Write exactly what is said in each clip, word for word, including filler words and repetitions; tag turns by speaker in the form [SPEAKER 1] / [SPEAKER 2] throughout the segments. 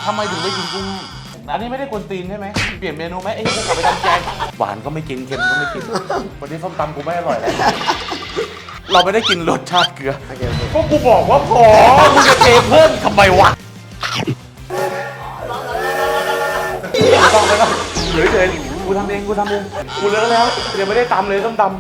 [SPEAKER 1] ทำไมถึงไม่กินกุ้งอันนี้ไม่ได้กวนตีนใช่ไหมเปลี่ยนเมนูไหมไอ้กูกลับไปทำแกงหวานก็ไม่กินเค็มก็ไม่กินวันนี้ส้มตำกูไม่อร่อยแล้วเราไม่ได้กินรสชาติเกลือก็กูบอกว่าพอมึงจะเทเพิ่มทำไมวะต้องไปแล้วเฉยเฉยกูทำเองกูทำเองกูเลิกแล้วเดี๋ยวไม่ได้ตำเลยส้มตำ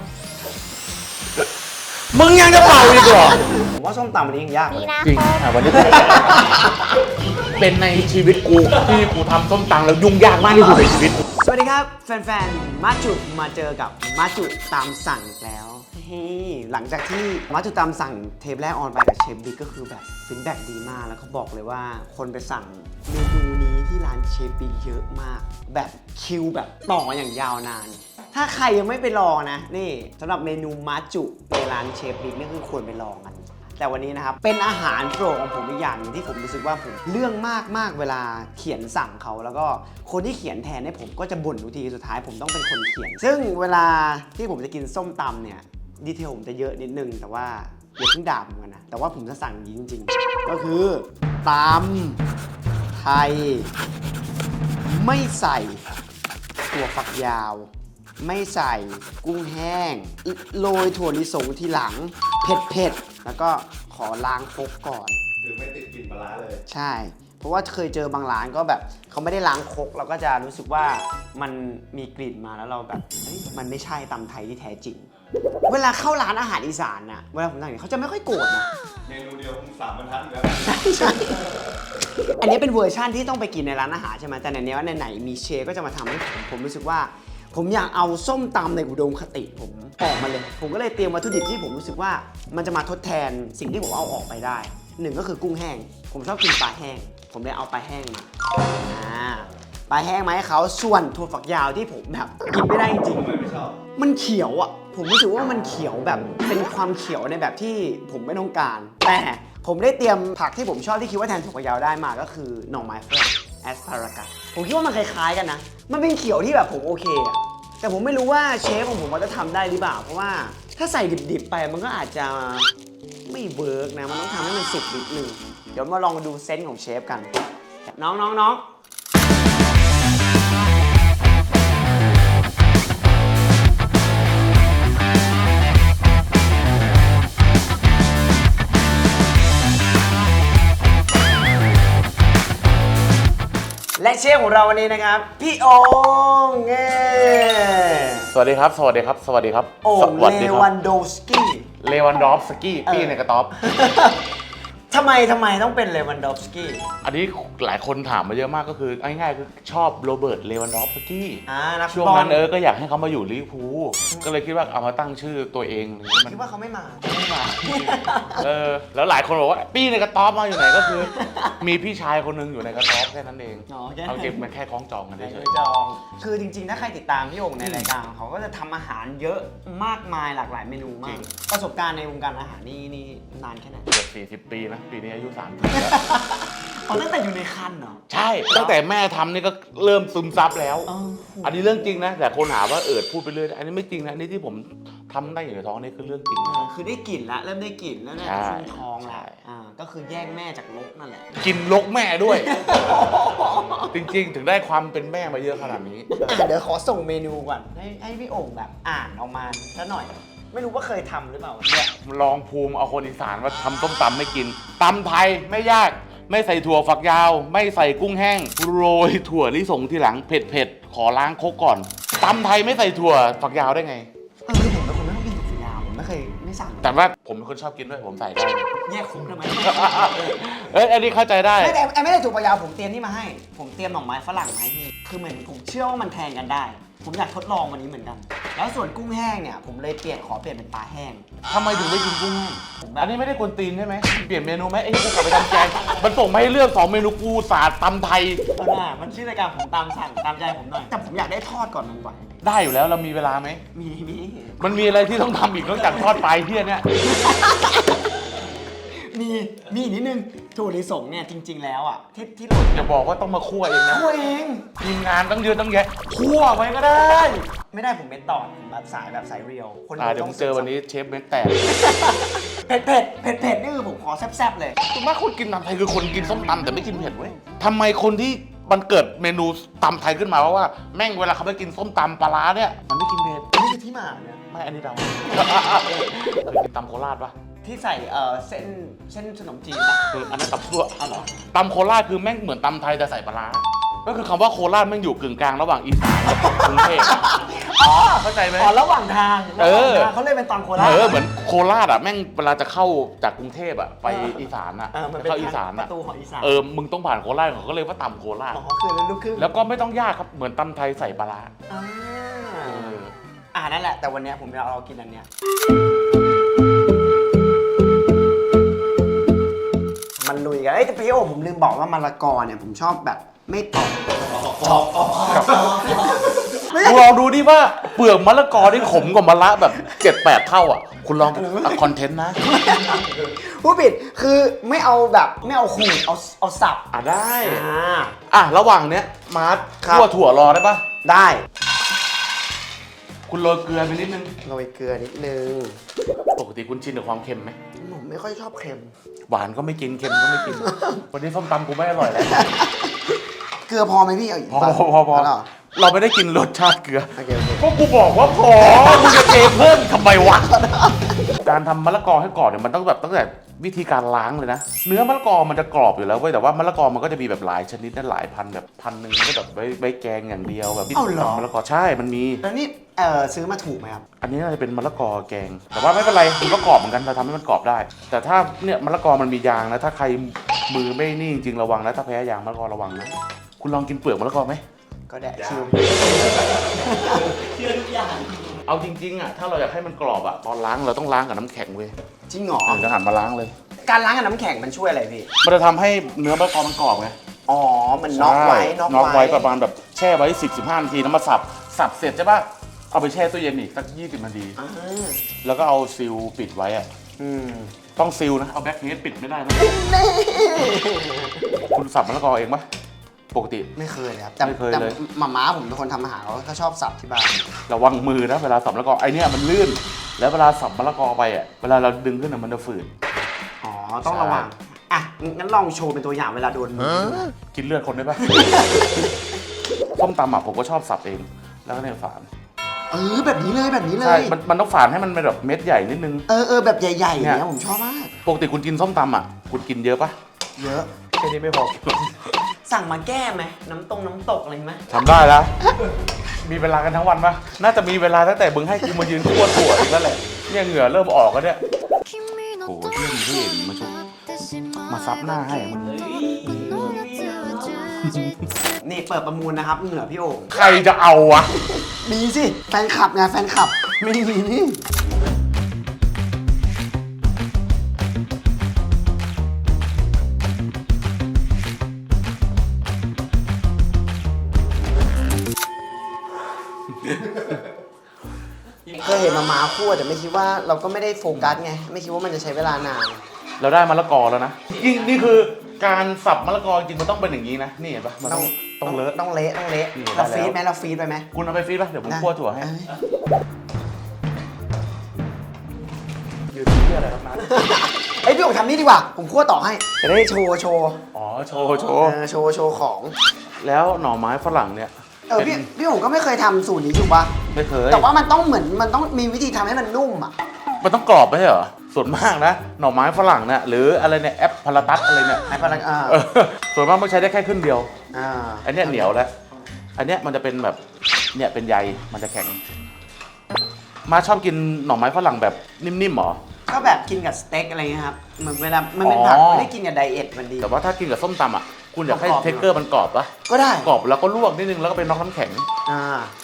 [SPEAKER 1] มึงยังจะเป่าอีกเหรอ
[SPEAKER 2] ผมว่าส้มตำวันนี้ยังยากเลย
[SPEAKER 1] จริงอ่ะวันนี้เป็นในชีวิตกูที่กูทำส้มตำแล้วยุ่งยากมากที่สุดในชีวิต
[SPEAKER 2] สวัสดีครับแฟนๆมาจุมาเจอกับมาจุตามสั่งแล้วหลังจากที่มาจุตามสั่งเทปแรกออนไปกับเชฟบิ๊กก็คือแบบฟีดแบ็กดีมากแล้วเขาบอกเลยว่าคนไปสั่งเมนูนี้ที่ร้านเชฟบิ๊กเยอะมากแบบคิวแบบต่ออย่างยาวนานถ้าใครยังไม่ไปลองนะนี่สำหรับเมนูมาจุในร้านเชฟบิ๊กนี่คือควรไปลองกันแต่วันนี้นะครับเป็นอาหารโปรดของผมอีกอย่างนึงที่ผมรู้สึกว่าผมเรื่องมากมากเวลาเขียนสั่งเขาแล้วก็คนที่เขียนแทนให้ผมก็จะบ่นทุกทีสุดท้ายผมต้องเป็นคนเขียนซึ่งเวลาที่ผมจะกินส้มตำเนี่ยดีเทลผมจะเยอะนิดนึงแต่ว่าอย่าเพิ่งด่าผมกันนะแต่ว่าผมจะสั่งจริงๆก็คือตำไทยไม่ใส่ถั่วฝักยาวไม่ใส่กุ้งแห้งโรยถั่วลิสงทีหลังเผ็ดๆแล้วก็ขอล้างครกก่อน
[SPEAKER 3] คือไม่ติดกลิ่นปลาร้าเลย
[SPEAKER 2] ใช่เพราะว่าเคยเจอบางร้านก็แบบเขาไม่ได้ล้างครกเราก็จะรู้สึกว่ามันมีกลิ่นมาแล้วเราแบบเฮ้ยมันไม่ใช่ตำไทยที่แท้จริงเวลาเข้าร้านอาหารอีสานน่ะเวลาผมสั่งเนี่ยเขาจะไม่ค่อยโกรธนะ
[SPEAKER 3] เมนูเดียวคงสามบรรทัดแล้ว
[SPEAKER 2] ใช่อันนี้เป็นเวอร์ชั่นที่ต้องไปกินในร้านอาหารใช่ไหมแต่ในนี้ว่าไหนๆมีเชฟก็จะมาทำให้ผมผมรู้สึกว่าผมอยากเอาส้มตำในอุดมคติผมออกมาเลยผมก็เลยเตรียมวัตถุดิบที่ผมรู้สึกว่ามันจะมาทดแทนสิ่งที่ผมเอาออกไปได้หนึ่งก็คือกุ้งแห้งผมชอบกินปลาแห้งผมเลยเอาปลาแห้งมาปลาแห้งมาให้เขาส่วนถั่วฝักยาวที่ผมแบบกินไม่ได้จริงๆ
[SPEAKER 3] ไม่ชอบ
[SPEAKER 2] มันเขียวอ่ะผมรู้สึกว่ามันเขียวแบบเป็นความเขียวในแบบที่ผมไม่ต้องการแต่ผมได้เตรียมผักที่ผมชอบที่คิดว่าแทนถั่วฝักยาวได้มาก็คือหน่อไม้ฝรั่งแอสพารากัสผมคิดว่ามันคล้ายๆกันนะมันเป็นเขียวที่แบบผมโอเคอะแต่ผมไม่รู้ว่าเชฟของผมจะทำได้หรือเปล่าเพราะว่าถ้าใส่ดิบๆไปมันก็อาจจะไม่เวิร์กนะมันต้องทำให้มันสุกนิดนึงเดี๋ยวมาลองดูเซนส์ของเชฟกันน้องน้องน้องและเชฟของเราวันนี้นะครับพี่โอ่งเง้
[SPEAKER 1] สวัสดีครับสวัสดีครับสวัสดีครับ
[SPEAKER 2] โอ่งเลวันโดฟสกี้
[SPEAKER 1] เลวันดอฟสกี้ปี้ในกระต๊อบ
[SPEAKER 2] ทำไมทำไมต้องเป็นเลวันดอฟสกี้
[SPEAKER 1] อันนี้หลายคนถามมาเยอะมากก็คือง่ายๆคือชอบโรเบิร์ตเลวันดอฟสกี้ช่วงนั้นเออก็อยากให้เขามาอยู่ลิเวอร์พูลก็เลยคิดว่าเอามาตั้งชื่อตัวเอง
[SPEAKER 2] คิดว่าเขาไม่มา
[SPEAKER 1] ไม่มาเออแล้วหลายคนบอกว่าปี้ในกระต๊อบมาอยู่ไหนก็คือมีพี่ชายคนนึงอยู่ในกระต๊อบแค่นั้นเองเอาเก็บมันแค่คล้องจองกันได้เฉย
[SPEAKER 2] จองคือจริงๆถ้าใครติดตามพี่โอ่งในรายการเขาก็จะทำอาหารเยอะมากมายหลากหลายเมนูมากประสบการณ์ในวงการอาหารนี่นี่นานแค่ไหน
[SPEAKER 1] เกือบสี่สิบปีนะปีนี้อายุสามสิบแล้ว
[SPEAKER 2] อ๋อตั้งแต่อยู่ในคันเหรอ
[SPEAKER 1] ใช่ตั้งแต่แม่ทำนี่ก็เริ่มซึมซับแล้วอันนี้เรื่องจริงนะแต่คนหาว่าเอิดพูดไปเรื่อยอันนี้ไม่จริงนะนี่ที่ผมทำได้อยู่ในท้องนี่คือเรื่องจริง
[SPEAKER 2] คือได้กลิ่นแล้วเริ่มได้กลิ่นแล้วเนี่ยขึ้นท้องแล้วอ่าก็คือแยกแม่จากลกนั่นแหละ
[SPEAKER 1] กินลกแม่ด้วยจริงๆถึงได้ความเป็นแม่มาเยอะขนาดนี้
[SPEAKER 2] เดี๋ยวขอส่งเมนูก่อนให้ให้พี่โอ่งแบบอ่านออกมาซะหน่อยไม่รู้ว่าเคยทำหรือเปล่า
[SPEAKER 1] เนี่ยลองภูมิเอาคนอีสานว่าทำต้มตำไม่กินตำไทยไม่ยากไม่ใส่ถั่วฝักยาวไม่ใส่กุ้งแห้งโรยถั่วลิสงทีหลังเผ็ดๆขอล้างครกก่อนตำไทยไม่ใส่ถั่วฝักยาวได้ไง
[SPEAKER 2] เออผมเป็นคนไม่ชอบกินถั่วฝักยาวผมไม่เคยไม่สั่ง
[SPEAKER 1] แต่ว่าผมเป็นคนชอบกินด้วยผมใส่ได้
[SPEAKER 2] แยกคุกทำไม
[SPEAKER 1] เอ้ยอันนี้เข้าใจได้
[SPEAKER 2] ไม่แต่ไม่ได้ถั่วฝักยาวผมเตรียมนี่มาให้ผมเตรียมหน่อไม้ฝรั่งมาให้พี่คือเหมือนผมเชื่อว่ามันแทนกันได้ผมอยากทดลองวันนี้เหมือนกันแล้วส่วนกุ้งแห้งเนี่ยผมเลยเปลี่ยนขอเปลี่ยนเป็นปลาแห้ง
[SPEAKER 1] ทำไมถึงไม่กินกุ้งแห้งอันนี้ไม่ได้กวนตีนใช่ไหมเปลี่ยนเมนูไหมไอ้กูกลับไปทำแกงมันส่งมาให้เลือกสองเมนูกูสาดตำไทย
[SPEAKER 2] เออมันชื่อรายการผมตามสั่งตามใจผมหน่อยแต่ผมอยากได้ทอดก่อนมันไหว
[SPEAKER 1] ได้อยู่แล้วเรามีเวลาไหม
[SPEAKER 2] มีมี
[SPEAKER 1] มันมีอะไรที่ต้องทำอีกนอกจากทอดปลายเที่ยเนี่ย
[SPEAKER 2] มีมีนิดนึงถั่วลิสงเนี่ยจริงๆแล้วอ่ะที่ที่หล่น
[SPEAKER 1] อย่าบอกว่าต้องมาคั่วเองนะ
[SPEAKER 2] คั่วเอง
[SPEAKER 1] ทีมงานต้องเยอะต้องแยะคั่วไว้ก็ได้
[SPEAKER 2] ไม่ได้ผมเม็ดต่อแบบสายแบบสายเรียว
[SPEAKER 1] คนเดี๋ยวผมเจอวันนี้เชฟเม็ดแตก
[SPEAKER 2] เผ็ดเผ็ดเผ็ดเผ็ดนี่คือผมขอแซ่บๆเลย
[SPEAKER 1] ส่วนมากคนกินตำไทยคือคนกินส้มตำแต่ไม่กินเผ็ดเว้ยทำไมคนที่มันเกิดเมนูตำไทยขึ้นมาเพราะว่าแม่งเวลาเขาไปกินส้มตำปลาร้าเนี่ยมันไม่กินเผ็ด
[SPEAKER 2] นี่คือที่มาเนี่ย
[SPEAKER 1] ไม่อันนี้เดา เคยกินตำโคราชปะ
[SPEAKER 2] ที่ใส่เอ่อเส้นเส้นขนมจีนปะ
[SPEAKER 1] คืออันนั้นตำซั่ว
[SPEAKER 2] อ๋อเหรอ
[SPEAKER 1] ตำโคราชคือแม่งเหมือนตำไทยแต่ใส่ปลาร้าก็คือคำว่าโคราชแม่งอยู่กึ่งกลางระหว่างอีสานกับกรุงเทพ
[SPEAKER 2] อ๋อ
[SPEAKER 1] เข้าใจไหม
[SPEAKER 2] อ๋อระหว่างทาง
[SPEAKER 1] เออ
[SPEAKER 2] ระหว่างทางเขาเลยเป็นตอนโคราช
[SPEAKER 1] เออเหมือนโคราชอ่ะแม่งเวลาจะเข้าจากกรุงเทพอ่ะไปอีสานอ่ะ
[SPEAKER 2] เออมัน
[SPEAKER 1] จะ
[SPEAKER 2] เป็น
[SPEAKER 1] เข้าอีสาน
[SPEAKER 2] ป
[SPEAKER 1] อ่ะ
[SPEAKER 2] ระตูของอีสาน
[SPEAKER 1] เออมึงต้องผ่านโคราชเขาก็เลยว่าตำโคราช
[SPEAKER 2] อ๋อคือลูกครึ่ง
[SPEAKER 1] แล้วก็ไม่ต้องยากครับเหมือนตำไทยใส่ปลาร้า
[SPEAKER 2] อ่า
[SPEAKER 1] เออ
[SPEAKER 2] อ่านั่นแหละแต่วันเนี้ยผมจะเอากินอันเนี้ยมันลุยกันเอ้ยแต่พี่โอผมลืมบอกว่ามะละกอเนี่ยผมชอบแบบไม่กรอบชอบไม่
[SPEAKER 1] คุณลองดูดิว่าเปลือกมะละกอที่ขมกว่ามะละแบบเจ็ดแปดเท่าอ่ะคุณลองคอนเทนต์นะ
[SPEAKER 2] ผู้ผิดคือไม่เอาแบบไม่เอาขูดเอาเอาสับ
[SPEAKER 1] อ่ะได้
[SPEAKER 2] อ่า
[SPEAKER 1] อ่ะระหว่างเนี้ยมาร์ท
[SPEAKER 2] ครับ
[SPEAKER 1] คั่วถั่วรอได้ปะ
[SPEAKER 2] ได้
[SPEAKER 1] คุณโรยเกลือไปนิดนึง
[SPEAKER 2] โรยเกลือนิดนึง
[SPEAKER 1] ปกติคุณชินกับความเค็มไหม
[SPEAKER 2] ผมไม่ค่อยชอบเค็ม
[SPEAKER 1] หวานก็ไม่กินเค็มก็ไม่กิน วันนี้ส้มตำกูไม่อร่อยแล้ว
[SPEAKER 2] เกลือพอไหมพี่เอาอีก
[SPEAKER 1] พอ
[SPEAKER 2] ปะ
[SPEAKER 1] พอพอพอ
[SPEAKER 2] แล้วเหรอ
[SPEAKER 1] เราไม่ได้กินรสชาติเกลือ
[SPEAKER 2] โอเคโอเค
[SPEAKER 1] ก็กูบอกว่าพอมึงจะเทเพิ่มทำไมวะ การทำมะละกอให้กรอบเนี่ยมันต้องแบบตั้งแต่วิธีการล้างเลยนะ เนื้อมะละกอมันจะกรอบอยู่แล้วเว้ยแต่ว่ามะละกอมันก็จะมีแบบหลายชนิดนะหลายพันแบบพันหนึ่งก็แบบไว้ไว้แกงอย่างเดียวแบบที่ทำมะละกอใช่มันมี
[SPEAKER 2] แล้วนี่เออซื้อมาถูกไหมครับ
[SPEAKER 1] อันนี้น่าจะเป็นมะละกอแกง แต่ว่าไม่เป็นไรมันก็กรอบเหมือนกันเราทำให้มันกรอบได้ แต่ถ้าเนี่ยมะละกอมันมียางนะถ้าใครมือไม่นี่จริงๆระวังนะถ้าแพ้ยางมะละกอระวังนะคุณลองกินเปลือกมะละกอไหม
[SPEAKER 2] ก็แดะชิว
[SPEAKER 3] เชื่อทุกอย่าง
[SPEAKER 1] เอาจริงๆอ่ะถ้าเราอยากให้มันกรอบอ่ะตอนล้างเราต้องล้างกับน้ำแข็งเว้ย
[SPEAKER 2] จริงเหรอ
[SPEAKER 1] เออจะหันมาล้างเลย
[SPEAKER 2] การล้างกับน้ำแข็งมันช่วยอะไรพี่
[SPEAKER 1] มันจะทำให้เนื้อมะละกอมันกรอบไง
[SPEAKER 2] อ๋อ มันน็อกไว้
[SPEAKER 1] ใช่
[SPEAKER 2] น็อก
[SPEAKER 1] น็อกไว้
[SPEAKER 2] ไว้
[SPEAKER 1] ประมาณแบบแช่ไว้สิบ สิบห้านาทีแล้วมาสับสับเสร็จใช่ปะเอาไปแช่ตู้เย็นอีกสักยี่สิบนาที
[SPEAKER 2] อ่า
[SPEAKER 1] แล้วก็เอาซิลปิดไว้อ่ะ
[SPEAKER 2] อืม
[SPEAKER 1] ต้องซิลนะเอาแบ็คเฮดปิดไม่ได้นะ
[SPEAKER 2] นี่
[SPEAKER 1] คุณสับมะละกอเองปะปกติ
[SPEAKER 2] ไม่เคยเลยครับแต่
[SPEAKER 1] ไม่เคย
[SPEAKER 2] แต่
[SPEAKER 1] เลย
[SPEAKER 2] หม่าม้าผมเป็นคนทำอาหารเขาก็ชอบสับที่บ้าน
[SPEAKER 1] ระวังมือนะเวลาสับมะละกอไอเนี้ยมันลื่น แล้วเวลาสับมะละกอไปอ่ะเวลาเราดึงขึ้นอ่ะมันจะฝืด
[SPEAKER 2] อ๋อ ต้อง
[SPEAKER 1] ใช่
[SPEAKER 2] ระวัง อ่ะ งั้นลองโชว์เป็นตัวอย่างเวลาโดนมือ
[SPEAKER 1] กินเลือดคนได้ปะ ส้มตำอ่ะผมก็ชอบสับเอง แล้วก็ในฝาน
[SPEAKER 2] เออ แบบนี้เลยแบบนี้เล
[SPEAKER 1] ใช่
[SPEAKER 2] ย
[SPEAKER 1] มันมันต้องฝานให้มันเป็นแบบเม็ดใหญ่นิดนึง
[SPEAKER 2] เออเออแบบใหญ่ๆอย่าง
[SPEAKER 1] เนี่
[SPEAKER 2] เงี้
[SPEAKER 1] ย
[SPEAKER 2] ยผมชอบมาก
[SPEAKER 1] ปกติคุณกินส้มตำอ่ะคุณกินเยอะปะ
[SPEAKER 2] เยอะ
[SPEAKER 1] แค่นี้ไม่พอ
[SPEAKER 2] สั่งมาแก้ไหมน้ำตรงน้ำตกอะไรไหม
[SPEAKER 1] ทำได้แล้ว มีเวลากันทั้งวันปะน่าจะมีเวลาตั้งแต่มึงให้กูมายืนคั่วถั่วอีกแล้วแหละเนี่ยเหงื่อเริ่มออกแล้วเนี่ย โอ้โหเพื่อนเพื่อนมาชุบมาซับหน้าให้มึง
[SPEAKER 2] นี่เปิดประมูลนะครับ เหงื่อพี่โอ่ง
[SPEAKER 1] ใครจะเอาวะ
[SPEAKER 2] มีสิ แฟนคลับไงแฟนคลับ ไม่มีนี่ เคยเห็นมาม้าคั่วแต่ไม่คิดว่าเราก็ไม่ได้โฟกัสไง ไม่คิดว่ามันจะใช้เวลานาน
[SPEAKER 1] เราได้มะละกอแล้วนะนี่นี่คือการสับมะละกอจริงมันต้องเป็นอย่างนี้นะ นี่เห็นปะมันต้องต้องเลอะ
[SPEAKER 2] ต้องเละต้องเละ
[SPEAKER 1] นี่
[SPEAKER 2] เรา
[SPEAKER 1] ได้แล้ว
[SPEAKER 2] ฟีดไหมเราฟีดไปไหม
[SPEAKER 1] คุณเอาไปฟรีดปะเดี๋ยวผมคั่วถั่วให้
[SPEAKER 2] เอ้ย
[SPEAKER 1] อยู่ที่อะไรครับนะ
[SPEAKER 2] เอ้ยพี่โอ่งทำนี่ดีกว่า ผมคั่วต่อให้จะได้โชว์โชว์
[SPEAKER 1] อ๋อโชว์โช
[SPEAKER 2] เอ
[SPEAKER 1] ว์
[SPEAKER 2] อโชว์โชว์ของ
[SPEAKER 1] แล้วหน่อไม้ฝรั่งเนี่ย
[SPEAKER 2] เออพี่พี่โอ่งก็ไม่เคยทำสูตรนี้ถูกปะ
[SPEAKER 1] ไม่เคย
[SPEAKER 2] แต่ว่ามันต้องเหมือนมันต้องมีวิธีทำให้มันนุ่มอ่ะ
[SPEAKER 1] มันต้องกรอบไม่ใช่เหรอ ส่วนมากนะหน่อไม้ฝรั่งเนี่ยหรืออะไรเนี่ยแอปพาราตัสอะไรเนี่ย
[SPEAKER 2] ไอ้พลังอ่า
[SPEAKER 1] เออส่วนมากมันใช้ได้แค่ครึ่งเดียว
[SPEAKER 2] อ่า
[SPEAKER 1] อันเนี้ยเหนียวแล้ว อันเนี้ยมันจะเป็นแบบเนี่ยเป็นใยมันจะแข็ง มาชอบกินหน่อไม้ฝรั่งแบบนิ่มๆเหรอ
[SPEAKER 2] ก็แบบกินกับสเต็กอะไรเงี้ยครับเหมือนเวลามันเป็นผัก
[SPEAKER 1] อ๋อ
[SPEAKER 2] ไม่ได้กินกับไดเอทมันดี
[SPEAKER 1] แต่ว่าถ้ากินกับส้มตำอ่ะคุณอยากให้
[SPEAKER 2] กรอบๆ
[SPEAKER 1] เท็กเกอร์มันกรอบปะ
[SPEAKER 2] ก็ได้
[SPEAKER 1] กรอบแล้วก็ลวกนิดนึงแล้วก็เป็นน็อกน้ำแข็ง
[SPEAKER 2] อ่า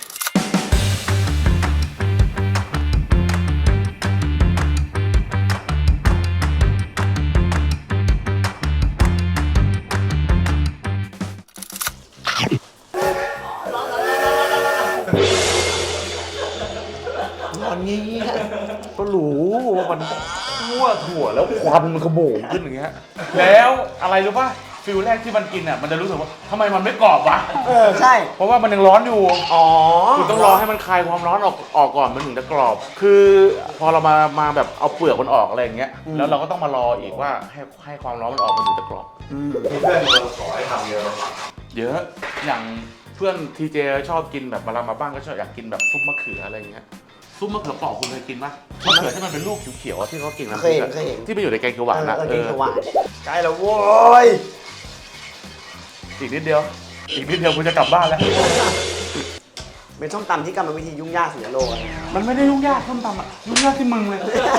[SPEAKER 2] ตอนนี้
[SPEAKER 1] ก็รู้ว่ามันคั่วถั่วแล้วควันมันขโมงขึ้นอย่างเงี้ย แล้วอะไรรู้ป่ะฟิลแรกที่มันกินอ่ะมันจะรู้สึกว่าทำไมมันไม่กรอบวะ
[SPEAKER 2] เออใช่
[SPEAKER 1] เพราะว่ามันยังร้อนอยู่
[SPEAKER 2] อ๋อ
[SPEAKER 1] คุณต้องรอให้มันคลายความร้อนออกออกก่อนมันถึงจะกรอบ คือพอเรามามาแบบเอาเปลือกมันออกอะไรอย่างเงี้ยแล้วเราก็ต้องมารออีกว่าให้ให้ความร้อนมันออกมันถึงจะกรอบ
[SPEAKER 4] มีเพื่อนมาขอให้ทำเยอะไหม
[SPEAKER 1] เยอะอย่างเพื่อนทีเจชอบกินแบบเวลามาบ้านก็ชอบอยากกินแบบซุปมะเขืออะไรอย่างเงี้ยซุปมะเขือเปอกคุณเคยกินปะมะเขือที่มันเป็นลูกเขียวๆอะที่เขากินน้ำพ
[SPEAKER 2] เค
[SPEAKER 1] ริ
[SPEAKER 2] ย
[SPEAKER 1] ก
[SPEAKER 2] เห็น
[SPEAKER 1] อะ
[SPEAKER 2] เคยเห็น
[SPEAKER 1] ที่ไปอยู่ในแกงเขียวหวานนะ
[SPEAKER 2] เออ
[SPEAKER 1] เอ
[SPEAKER 2] เก่ง
[SPEAKER 1] อ
[SPEAKER 2] สว่านใกล้แล้วโว้ย
[SPEAKER 1] อีกนิดเดียว อีกนิดเดียวกูจะกลับบ้านแล้ว
[SPEAKER 2] เป็นส้มตำที่กรรมวิธียุ่งยากสุดในโลกอะ
[SPEAKER 1] มันไม่ได้ยุ่งยากส้มตำอะยุ่งยากที่มึงเลย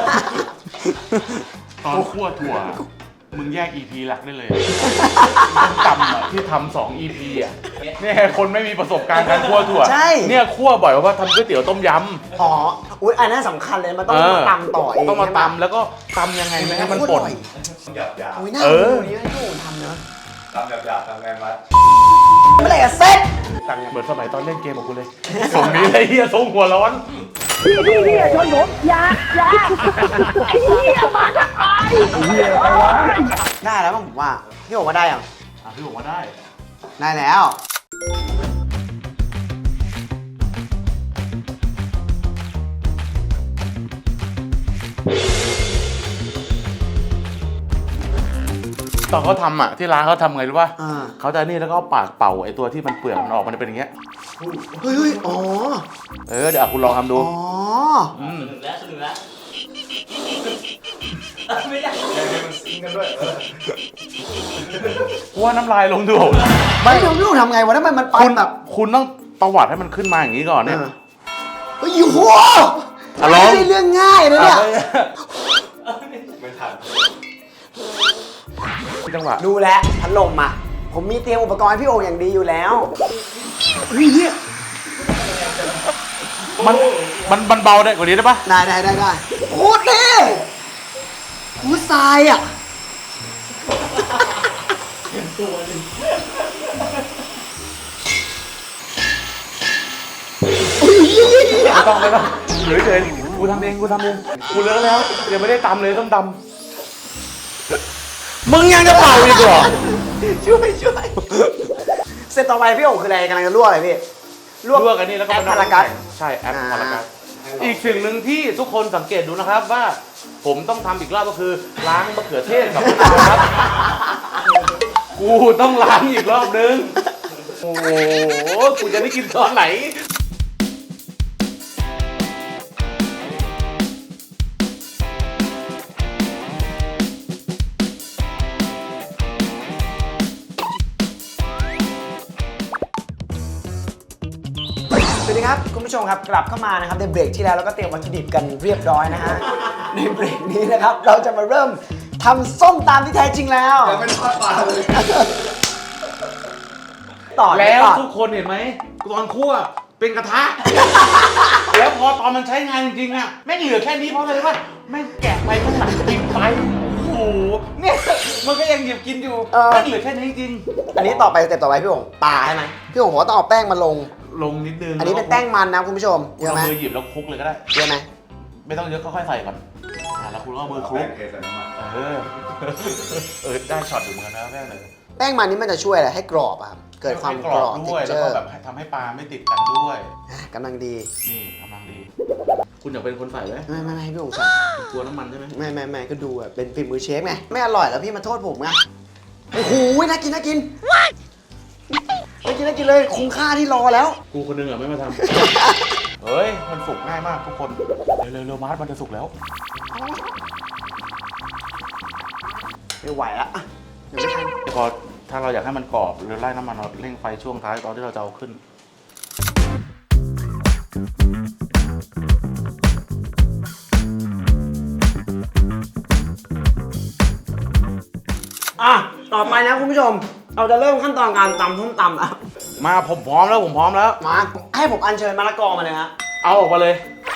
[SPEAKER 1] ตอนคั่วถั่ว มึงแยก อี พี หลักได้เลยส้มตำอะที่ทำสอง อี พี อะเนี่ยคนไม่มีประสบการณ์การคั่วถั่ว
[SPEAKER 2] ใช่
[SPEAKER 1] เนี่ยคั่วบ่อยเพราะว่าทำก๋วยเตี๋ยวต้มยำ
[SPEAKER 2] อ๋ออุ้ยอันนั้นสำคัญเลยมันต้อง
[SPEAKER 1] เออ
[SPEAKER 2] มาตำต่อเอง
[SPEAKER 1] ต้องมา
[SPEAKER 2] ใช่ไห
[SPEAKER 1] ตำแล้วก็ตำยังไงไม่ให้มันป่น
[SPEAKER 4] หยาบหยาบ
[SPEAKER 2] อุ้ยน่า
[SPEAKER 1] เออ
[SPEAKER 2] ดูนี่ให้พี่โอ๋ทำนะ
[SPEAKER 4] ทำหยาบหยาบทำไงวะ
[SPEAKER 2] เมื่อไหร่จะเสร็จ
[SPEAKER 1] ตังเหมือนสมัยตอนเล่นเกมของกูเลยส่งนี้เลยเฮียส่งหัวร้อน
[SPEAKER 5] พี่พี่พี่อย่าชนผมอย่าอย่าไอ้เหี้ยมาทำไม
[SPEAKER 2] ได้แล้วมั้งผมว่าพี่โอ๋ว่าได้ยัง
[SPEAKER 1] อ่ะพี่บอกว่าได้
[SPEAKER 2] ได้แล้ว
[SPEAKER 1] ตอนเขาทำอ่ะที่ร้านเขาทำไงรู้ป่ะ
[SPEAKER 2] อ่า
[SPEAKER 1] เขาจะนี่แล้วก็เอาปากเป่าไอ้ตัวที่มันเปลือกมันออกมันจะเป็นอย่างเงี้ย
[SPEAKER 2] เฮ้ยเฮ้ยอ๋อ
[SPEAKER 1] เออเดี๋ยวอ่ะคุณลองทำดู
[SPEAKER 2] อ๋อ
[SPEAKER 1] อืม
[SPEAKER 3] สนุกแล้วสนุกแล้วไม่ได้
[SPEAKER 4] แกให้มันซิงกันด้วยเออ
[SPEAKER 1] กูว่าน้ำลายลงดู
[SPEAKER 2] ไม่รู้พี่โอ๋ทำไงวะทำไมมันไป
[SPEAKER 1] คุณ
[SPEAKER 2] แบบ
[SPEAKER 1] คุณต้องประวัติให้มันขึ้นมาอย่างนี้ก่อนเนี่ย
[SPEAKER 2] เออเฮ้ยโห
[SPEAKER 1] อ่ะล
[SPEAKER 2] ไม่
[SPEAKER 1] อง
[SPEAKER 2] ใช่เรื่องง่ายนะเนี่ย
[SPEAKER 4] ไม่ทัน
[SPEAKER 1] จังหวะ
[SPEAKER 2] ดูแลวพัดลมอ่ะ ผมมีเตรียมอุปกรณ์ให้พี่โออย่างดีอยู่แล้วเฮ้ยเหี้ย
[SPEAKER 1] มันมันมันเบาได้กว่านี้ได้ปะ
[SPEAKER 2] ได้ได้ได้ได้โคตรเท่โคตรทรายอ่ะ
[SPEAKER 3] ตัวหนึ่ง
[SPEAKER 2] อุ้ยเหี้ยเหี้ยเหี้ย
[SPEAKER 1] ไม่ต้องไม่ต้องเหลือเฉยกูทำเองกูทำเองกูเลิกแล้วยังไม่ได้ตำเลยต้องตำมึงยังจะเป่าอีกเหรอ
[SPEAKER 2] ช่วยช่วยเสร็จต่อไปพี่โอคืออะไรกำลังจะลวกอะไรพี่
[SPEAKER 1] ลวกอันนี้แล้วก็
[SPEAKER 2] แอป
[SPEAKER 1] ม
[SPEAKER 2] พารากัส
[SPEAKER 1] ใช่แอป
[SPEAKER 2] อ่า
[SPEAKER 1] พารากัสอีกสิ่งหนึ่งที่ทุกคนสังเกตดูนะครับว่า ผมต้องทำอีกรอบก็คือล้างมะเขือเทศกับมะนาวครับ กูต้องล้างอีกรอบนึง โอ้โห กูจะได้กินตอนไหน
[SPEAKER 2] สวัสดีครับคุณผู้ชมครับกลับเข้ามานะครับในเบรกที่แล้วเราก็เตรียมวัตถุดิบกันเรียบร้อยนะฮะ ในเบรกนี้นะครับเราจะมาเริ่มทำส้มตำที่แท้จริงแล้ว
[SPEAKER 4] ยังไม่ทอดปลาเลย
[SPEAKER 2] ต่อ
[SPEAKER 1] แล้ว
[SPEAKER 2] ต่อ
[SPEAKER 1] ทุกคนเห็นไหมตอนคั่วเป็นกระทะ แล้วพอตอนมันใช้งานจริงๆอะแม่งเหลือแค่นี้เพราะอะไรรู้ป่ะแม่งแกะไปข้างหลังกินไป โอ้โห เนี่ยมันก็ยังหยิบกินอยู่แม่งเหลือแค่นี้จริง
[SPEAKER 2] อันนี้ต่อไปสเต็ปต่อไปพี่โอ๋ปลาใช่ไหมพี่โอ๋บอกว่าต้องเอาแป้งมาลง
[SPEAKER 1] ลงนิดนึง
[SPEAKER 2] อันนี้เป็นแป้งมันนะคุณผู้ชมเย
[SPEAKER 1] เอา
[SPEAKER 2] อะไหม
[SPEAKER 1] มือหยิบแล้วคลุกเลยก็ได้
[SPEAKER 2] เยอะไหม
[SPEAKER 1] ไม่ต้องเยอะค่อยๆใส่ก่อนอ่ะแล้วคุณก็เอามือคลุ
[SPEAKER 4] แป้
[SPEAKER 1] ก
[SPEAKER 4] งเทใส่น้ำมัน
[SPEAKER 1] เออ เออได้ช็อตอยู่เหมือนกันนะแม่เลย
[SPEAKER 2] แป้งมันนี่มันจะช่วยอะไรให้กรอบอะครับเกิดความ
[SPEAKER 1] ให้
[SPEAKER 2] กรอบ
[SPEAKER 1] ด้วย
[SPEAKER 2] เท็
[SPEAKER 1] แล้ว
[SPEAKER 2] เจ
[SPEAKER 1] ก็
[SPEAKER 2] อร์
[SPEAKER 1] แบบทำให้ปลาไม่ติดกันด้วย
[SPEAKER 2] กำลังดี
[SPEAKER 1] นี่กำลังดี คุณอยากเป็นคนใส่ไหม
[SPEAKER 2] ไม่ไม่ไม่พี่โอ๋ใส่
[SPEAKER 1] กลัวน้ำมันใช่ไหม
[SPEAKER 2] ไม่ไม่ไม่ก็ดูแบบเป็นฝีมือเชฟไงไม่อร่อยแล้วพี่มาโทษผมไงโอ้โหน่ากินน่ากินน่ากินน่ากินเลยคุ้มค่าที่รอแล้ว
[SPEAKER 1] กูคนนึงอ่ะไม่มาทำ เฮ้ย มันสุกง่ายมากทุกคน เร็วๆเร็วมาร์ทมันจะสุกแล้ว
[SPEAKER 2] ไม่ไหวละเดี๋ยวไม่ทัน
[SPEAKER 1] พอถ้าเราอยากให้มันกรอบเราไล่น้ำมันเราเร่งไฟช่วงท้ายตอนที่เราจะเอาขึ้น
[SPEAKER 2] อ่ะต่อไปนะคุณผู้ชม เราจะเริ่มขั้นตอนการตำส้มตำแล้ว
[SPEAKER 1] มาผมพร้อมแล้วผมพร้อมแล้ว
[SPEAKER 2] มาให้ผมอัญเชิญมะละกอมาเลยฮะ
[SPEAKER 1] เอาออกมาเลย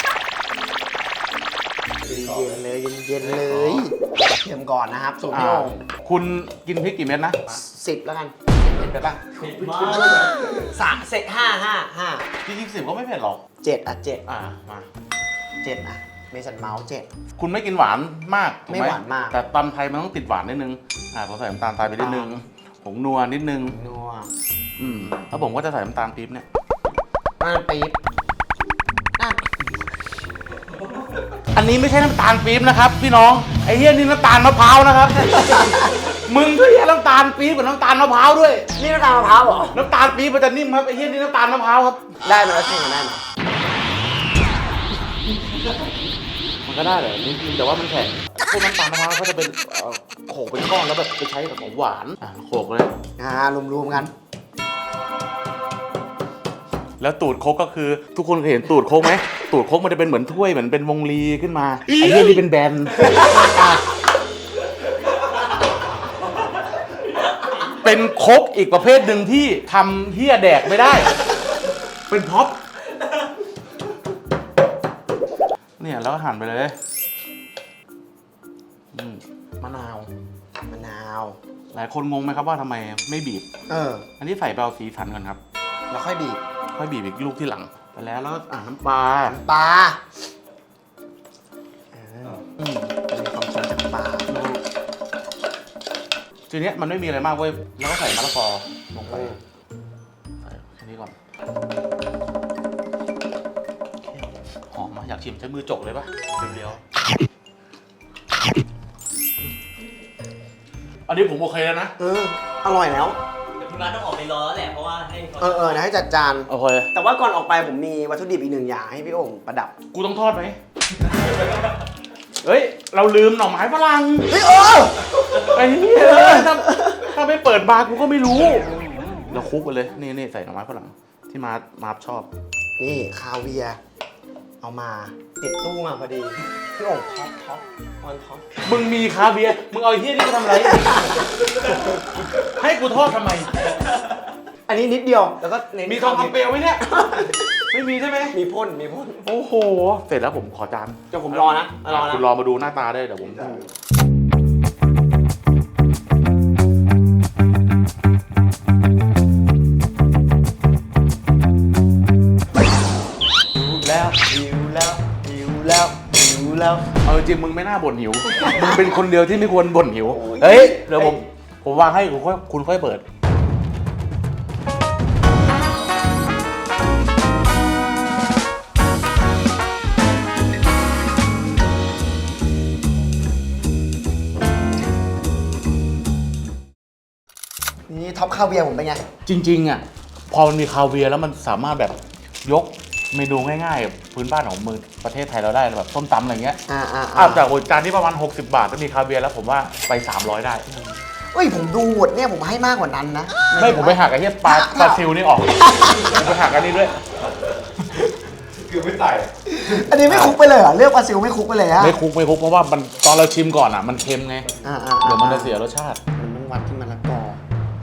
[SPEAKER 2] เย็นๆเลยเย็นๆเลยเทียมก่อนนะครับสูตรพี่
[SPEAKER 1] อ่า
[SPEAKER 2] โอ่ง
[SPEAKER 1] คุณกินพริกกี่เม็ดนะ
[SPEAKER 2] สิบแล้วกัน
[SPEAKER 1] เผ็ดไปปะ
[SPEAKER 3] เผ็ดมาก
[SPEAKER 2] สามเสร็จห้าห้าห้า
[SPEAKER 1] จริงๆสิบก็ไม่เผ็ดหรอก
[SPEAKER 2] เจ็ดอ่ะเจ็ด
[SPEAKER 1] อ่า มา
[SPEAKER 2] เจ็ดอ่ะเมสันเมาส์เจ็ด
[SPEAKER 1] คุณไม่กินหวานมากถูก
[SPEAKER 2] ไม่หวานมาก
[SPEAKER 1] แต่ตำไทยมันต้องติดหวานนิดนึง อ่าผมใส่น้ำตาลทรายไปนิดนึงผงนัวนิดนึง
[SPEAKER 2] นัว
[SPEAKER 1] อืมแล้วผมก็จะใส่น้ำตาลปี๊บเนี่ย
[SPEAKER 2] น้ำปี๊บน้
[SPEAKER 1] อันนี้ไม่ใช่น้ำตาลปี๊บนะครับพี่น้องไอ้เหี้ยนี่น้ำตาลมะพร้าวนะครับ มึงก็แยกน้ำตาลปี๊บกับน้ำตาลมะพร้าวด้วย
[SPEAKER 2] ำนี่น้ำตาลมะพร้าวเหรอ
[SPEAKER 1] น้ำตาลปี๊บมันจะนิ่มครับไอ้เหี้ยนี่น้ำตาลมะพร้าวครับ
[SPEAKER 2] ได้ไหมแล้วใช่ไหมได้ไหม
[SPEAKER 1] มันก็ได้แหละนิดนึงแต่ว่ามันแข็งพวกน้ำตาลมะพร้าวก็จะเป็นเอ่อโขลกเป็นก้อนแล้วแบบไปใช้กับของหวานอ่ะโขลกเลย
[SPEAKER 2] อ่ารวมๆกัน
[SPEAKER 1] แล้วตูดโคกก็คือทุกคนเคยเห็นตูดโคกไหมตูดโคกมันจะเป็นเหมือนถ้วยเหมือนเป็นวงลีขึ้นมาไอ้เหี้ยนี่เป็นแบนเป็นโคกอีกประเภทหนึ่งที่ทำเหี้ยแดกไม่ได้ เป็นพ็อปเนี่ยแล้วก็หั่นไปเลยอืมมะนาว
[SPEAKER 2] มะนาว
[SPEAKER 1] หลายคนงงไหมครับว่าทำไมไม่บีบ
[SPEAKER 2] เออ
[SPEAKER 1] อันนี้ใส่ไปเอาสีสันก่อนครับ
[SPEAKER 2] แล้วค่อยบีบ
[SPEAKER 1] ค่อยบีบอีกลูกที่หลังไปแล้วแล้วอ่าน้ำปลา
[SPEAKER 2] ปลาเออ
[SPEAKER 1] อืม
[SPEAKER 2] มีความสดจากปลา
[SPEAKER 1] ทีเนี้ยมันไม่มีอะไรมากเว้ยแล้วก็ใส่มะละกอลงไปใส่แค่นี้ก่อนหอมมาอยากชิมใช้มือจกเลยปะเรียวๆอันนี้ผมโอเคแล้วนะ
[SPEAKER 2] เออ อร่อยแล้ว
[SPEAKER 3] เดี๋ยวพี่มาร์ทต้องออกไปรอแล้วแหละเพราะว่าให้เขา
[SPEAKER 2] เออเออเดี๋ยวให้จัดจาน
[SPEAKER 1] โอเค
[SPEAKER 2] แต่ว่าก่อนออกไปผมมีวัตถุดิบอีกหนึ่งอย่างให้พี่โอ่งประดับ
[SPEAKER 1] กูต้องทอดไหมเฮ้ยเราลืมหน่อไม้ฝรั่ง
[SPEAKER 2] เฮ้ยเออ
[SPEAKER 1] ไอ้เหี้ยถ้าถ้าไม่เปิดบาร์กูก็ไม่รู้เราคลุกไปเลยนี่นี่ใส่หน่อไม้ฝรั่งที่มาร์ทมาร์ทชอบ
[SPEAKER 2] นี่คาเวียร์เอามาติดตู้มาพอดี พี่โอ่งท็อปท็อปออนท็อป
[SPEAKER 1] มึงมีคาเวียร์มึงเอาไอ้เหี้ยนี่ไปทำอะไร ให้กูทอดทำไม
[SPEAKER 2] อันนี้นิดเดียว แล้วก็เน้น
[SPEAKER 1] มีทองคำเปลวไหมเนี่ย ไม่มีใช่ไหม
[SPEAKER 2] มีพ่นมีพ่น
[SPEAKER 1] โอ้โห เสร็จแล้วผมขอจาน
[SPEAKER 2] เดี๋ยวผมรอนะรอนะ
[SPEAKER 1] คุณรอมาดูหน้าตาได้เดี๋ยวผมแล้ว
[SPEAKER 2] หิวแล้วหิวแล้วหิวแล้ว
[SPEAKER 1] เอาจริงมึงไม่น่าบ่นหิว มึงเป็นคนเดียวที่ไม่ควรบ่นหิว
[SPEAKER 2] โอ้ย
[SPEAKER 1] เฮ้ย เดี๋ยวผม ผมวางให้คุณค่อยคุณค่อยเปิด
[SPEAKER 2] นี่ท็อปคาเวียร์ผมเป็นไง
[SPEAKER 1] จริงๆอ่ะพอมันมีคาเวียร์แล้วมันสามารถแบบยกเมนูง่ายๆแบบพื้นบ้านของมือประเทศไทยเราได้แบบส้มตำอะไรเงี้ย
[SPEAKER 2] อ่าอ่า
[SPEAKER 1] อ่ะจากโอ้ยจานที่ประมาณหกสิบบาทถ้ามีคาเวียร์แล้วผมว่าไปสามร้อยได้
[SPEAKER 2] เอ้ยผมดูหมดเนี่ยผมให้มากกว่านั้นนะ
[SPEAKER 1] ไม่ผมไปหักไอ้เหี้ยปลาปลาซิวนี่ออกผมไปหักอันนี้ด้วย
[SPEAKER 4] คือไม่ใส่
[SPEAKER 2] อันนี้ไม่คุกไปเลยเหรอเลือกปลาซิวไม่คุกไปเลยฮะ
[SPEAKER 1] ไม่คุกไม่คุกเพราะว่ามันตอนเราชิมก่อนอ่ะมันเค็มไง
[SPEAKER 2] อ่าอ่า
[SPEAKER 1] เดี๋ยวมันจะเสียรสชาติ
[SPEAKER 2] มันต้องวัดที่มะละกอ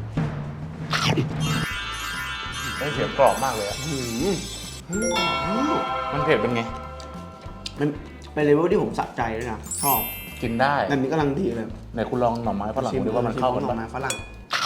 [SPEAKER 1] ได้เสียงกรอบมากเลยอะ
[SPEAKER 2] หืม
[SPEAKER 1] มันเผ็ดเป็นไง
[SPEAKER 2] มันเป็นเลเวลที่ผมสะใจด้วยนะชอบ
[SPEAKER 1] กินได้
[SPEAKER 2] แบบนี้กำลังดีเลย
[SPEAKER 1] ไหนคุณลองหน่อไม้ฝรั่งดูว่ามันเข้ากัน
[SPEAKER 2] หน่อ
[SPEAKER 1] ปะ
[SPEAKER 2] ไม้ฝรั่ง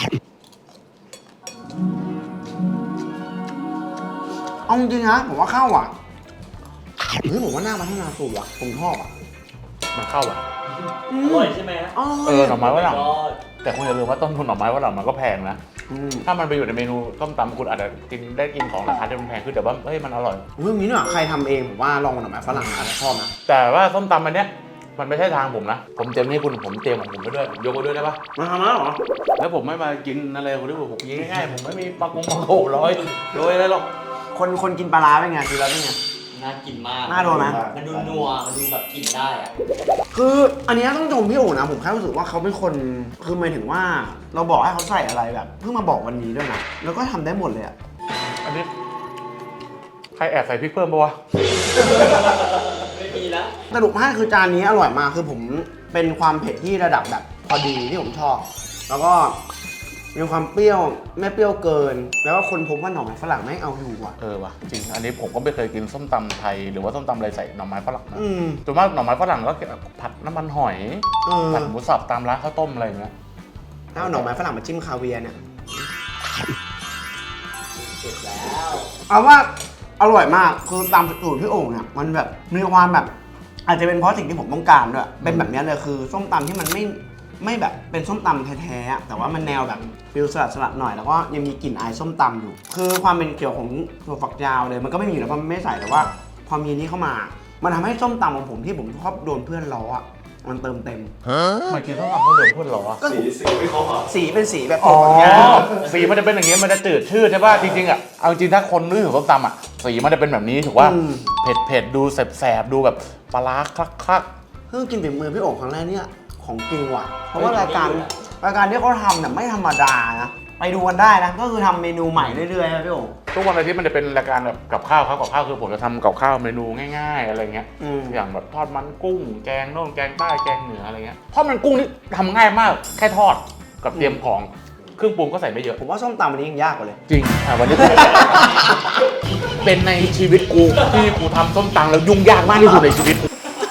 [SPEAKER 2] เอาจริงๆนะผมว่าเข้าอ่ะเฮ้ยผมว่าน่าพัฒนาสูตรว่ะผมชอบอ่ะ
[SPEAKER 1] มันเข้าอ่ะ
[SPEAKER 2] อื
[SPEAKER 3] อ
[SPEAKER 2] ม
[SPEAKER 3] ร่อยใช่ไหมฮะ
[SPEAKER 2] อ๋อ
[SPEAKER 1] เออหน่อไม้ฝรั่ง
[SPEAKER 3] ก็
[SPEAKER 1] แต่คุณอย่าลืมว่าต้นทุนหน่อไม้ฝรั่งมันก็แพงนะ
[SPEAKER 2] อืม
[SPEAKER 1] ถ้ามันไปอยู่ในเมนูต้มตำคุณอาจจะกินได้กินของราคาที่มันแพงขึ้นแต่ว่าเฮ้ยมันอร่อย
[SPEAKER 2] เรื่องนี้เนี่ยใครทำเองผมว่าลองหน่อไม้ฝรั่งอาจจะชอบนะ
[SPEAKER 1] แต่ว่าส้มตำอันเนี้ยมันไม่ใช่ทางผมนะ ผมเตรียมให้คุณผมเตรียมของผมไปด้วยยกไปด้วยได้ปะ
[SPEAKER 2] มาทำแล้วเหรอ
[SPEAKER 1] แล้วผมไม่มากินอะไรคนที่ผมกินง่ายๆผมไม่มีปลากงปลาโขร้อยโรยอะไรหรอก
[SPEAKER 2] คนคนกินปลาร้าเป็นไงดูแล้วเป็นไง
[SPEAKER 3] น่ากินมาก
[SPEAKER 2] น่าโดนไหม
[SPEAKER 3] มันดูนัวมันดูแบบกินได้อะ
[SPEAKER 2] คืออันเนี้ยต้องชมพี่โอ๋นะผมแค่รู้สึกว่าเขาเป็นคนคือหมายถึงว่าเราบอกให้เขาใส่อะไรแบบเพิ่งมาบอกวันนี้ด้วยนะแล้วก็ทำได้หมดเลยอะ
[SPEAKER 1] อันนี้ใครแอบใส่พริกเพิ่มปะวะ
[SPEAKER 3] ไม่มีแล้ว
[SPEAKER 2] สรุปให้คือจานนี้อร่อยมากคือผมเป็นความเผ็ดที่ระดับแบบพอดีที่ผมชอบ แล้วก็มีความเปรี้ยวไม่เปรี้ยวเกิน แล้วก็คนพบว่าหน่อไม้ฝรั่งไม่เอาอยู่ว่ะ
[SPEAKER 1] เออว่ะจริงอันนี้ผมก็ไม่เคยกินส้มตำไทยหรือว่าส้มตำอะไรใส่หน่อไม้ฝรั่งนะ
[SPEAKER 2] อืม
[SPEAKER 1] ส่วนมากหน่อไม้ฝรั่งก็ผัดน้ำมันหอย
[SPEAKER 2] เออ
[SPEAKER 1] ผัดหมูสับตามร้านข้าวต้มอะไรอย่างเงี้ย
[SPEAKER 2] ถ้าเอาหน่อไม้ฝรั่งมาจิ้มคาเวียร์เนี่ย
[SPEAKER 3] เสร็จแล้ว
[SPEAKER 2] เอาว่าอร่อยมากคือตามสูตรพี่โอ่งเนี่ยมันแบบมีความแบบ อาจจะเป็นเพราะสิ่งที่ผมต้องการด้วยเป็นแบบนี้เลยคือส้มตำที่มันไม่ไม่แบบเป็นส้มตำแท้ๆอะแต่ว่ามันแนวแบบฟิลสลัดสลัดหน่อยแล้วก็ยังมีกลิ่นอายส้มตำอยู่ คือความเป็นเกี่ยวของถั่วฝักยาวเลยมันก็ไม่มีอยู่แล้วเพราะมันไม่ใส่แต่ว่าพอมีนี้เข้ามา มันทำให้ส้มตำของผมที่ผมชอบโดนเพื่อนล้ออะมันเติมเต็ม
[SPEAKER 1] มากินส้มตำเขาเดินพูดหรอ
[SPEAKER 2] ก็
[SPEAKER 4] สีสีไม่ครบอ่ะ
[SPEAKER 2] สีเป็นสีแบบ
[SPEAKER 1] อ๋อ
[SPEAKER 2] ถั่วฝักยาว
[SPEAKER 1] สีมันจะเป็นอย่างเงี้ยมันจะจืดชืดใช่ป่ะจริงๆอ่ะเอาจริงถ้าคนนึกถึงส้มตำอ่ะสีมันจะเป็นแบบนี้ถูกป่ะเผ็ดเผ็ดๆดูแสบๆดูแบบปลาร้าคลัก
[SPEAKER 2] เพิ่งกินฝีมือพี่โอ๋ครั้งแรกเนี่ยของจริงว่ะ เพราะว่ารายการรายการที่เขาทำเนี่ยไม่ธรรมดานะไปดูกันได้นะก็คือทำเมนูใหม่เรื่อยๆนะพี่โอ๋
[SPEAKER 1] ๆทุกวันอาทิตย์มันจะเป็นรายการแบบกับข้าวครับกับข้าวคือผมจะทำกับข้าวเมนูง่าย ๆอะไรเงี้ย
[SPEAKER 2] อืม
[SPEAKER 1] อย่างแบบทอดมันกุ้งแกงโน่นแกงใต้แกงเหนืออะไรเงี้ยทอดมันกุ้งนี่ทำง่ายมากแค่ทอดกับเตรียมของเครื่องปรุงก็ใส่ไม่เยอะ
[SPEAKER 2] ผมว่าส้มตำวันนี้ยังยากกว่าเลย
[SPEAKER 1] จริงอ่ะวันนี้ เป็นในชีวิตกูที่กูทำส้มตำแล้วยุ่งยากมากที่สุดในชีวิต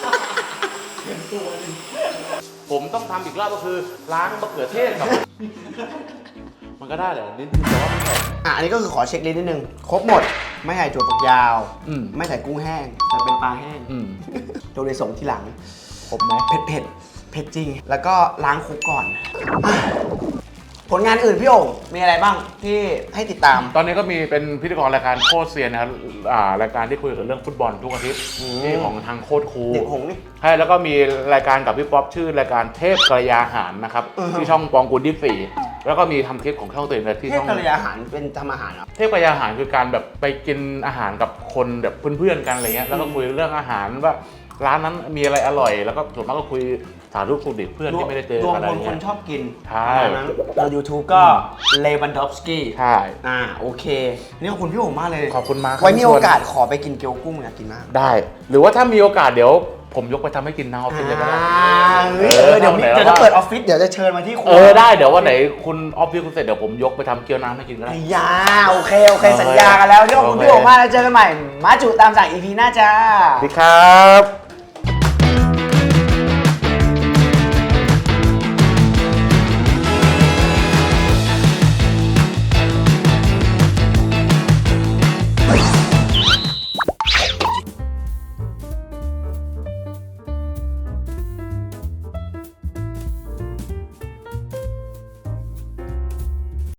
[SPEAKER 1] ผมต้องทำอีกรอบก็คือล้างมะเขือเทศกับ มันก็ได้แหละนิดนึงแต่ว่าไม่ใส่
[SPEAKER 2] อ่ะอันนี้ก็คือขอเช็คลิสต์นิดนึง ครบหมด ไม่ใส่ถั่วฝักยาว
[SPEAKER 1] อืม
[SPEAKER 2] ไม่ใส่กุ้งแห้ง แต่เป็นปลาแห้ง
[SPEAKER 1] อืม
[SPEAKER 2] โดยส่งทีหลัง
[SPEAKER 1] ครบไหม
[SPEAKER 2] เผ็ดเผ็ดเผ็ดจริง แล้วก็ล้างคุกก่อนอ่ะผลงานอื่นพี่โอ่งมีอะไรบ้างที่ให้ติดตาม
[SPEAKER 1] ตอนนี้ก็มีเป็นพิธีกรรายการโคตรเซียนนะครับอ่ารายการที่คุยเกี่ยวกับเรื่องฟุตบอลทุกอาทิตย์
[SPEAKER 2] อืม
[SPEAKER 1] ที่ของทางโคตรครู
[SPEAKER 2] เด็กหงส์นี่
[SPEAKER 1] ใช่แล้วก็มีรายการกับพี่ป๊อปชื่อรายการเทพกระยาหารนะครับ
[SPEAKER 2] อือฮะ
[SPEAKER 1] ที่ช่องปองกูลยี่สิบสี่แล้วก็มีทำคลิปของช่องตัวเองที่
[SPEAKER 2] เทพ
[SPEAKER 1] ช่อง
[SPEAKER 2] กระยาอาหารเป็นทำอาหารเหรอ
[SPEAKER 1] เทพกระยาหารคือการแบบไปกินอาหารกับคนแบบเพื่อนๆกันอะไรเงี้ยแล้วก็คุยเรื่องอาหารว่าร้านนั้นมีอะไรอร่อย แล้วก็ส่วนมากก็คุยสารรูปสุขดิบเพื่อนที่ไม่ได้เจอ
[SPEAKER 2] รวม
[SPEAKER 1] อะไร
[SPEAKER 2] คนค
[SPEAKER 1] เงี้
[SPEAKER 2] น
[SPEAKER 1] ย
[SPEAKER 2] ชอบกิน
[SPEAKER 1] ใช่
[SPEAKER 2] ประมาณนั้นเรา YouTube ก็เลวันดอฟสกี้
[SPEAKER 1] ใช่
[SPEAKER 2] อ่าโอเค นี่ขอบคุณพี่โอ่งมากเลย
[SPEAKER 1] ขอบคุณมากครับ
[SPEAKER 2] ไว้มี
[SPEAKER 1] ที่ช
[SPEAKER 2] โอ
[SPEAKER 1] วน
[SPEAKER 2] กาสขอไปกินเกี๊ยวกุ้งอยากกินมาก
[SPEAKER 1] ได้ หรือว่าถ้ามีโอกาสเดี๋ยวผมยกไปทำให้กินทางออฟฟิศเลยก็ได้
[SPEAKER 2] อ่าเฮ้ยเออเดี๋ยวมี
[SPEAKER 1] เออ
[SPEAKER 2] เดี๋ยวจะเปิดออฟฟิศเดี๋ยวจะเชิญมาที่ครัว
[SPEAKER 1] เออได้เดี๋ยววันไหนคุณออฟฟิศคุณเสร็จเดี๋ยวผมยกไปทำเกี๊ยวน้ำให้กินก็ได้
[SPEAKER 2] ไอ้ยาโอเคโอเค
[SPEAKER 1] โอเค
[SPEAKER 2] สัญญากันแล้วที่ขอบคุณ
[SPEAKER 1] โอเค
[SPEAKER 2] พี่โอ่งมากแล้วเจอกันใหม่ มาจุตามสั่ง อี พี หน้าจ้า
[SPEAKER 1] สวัสดีครับ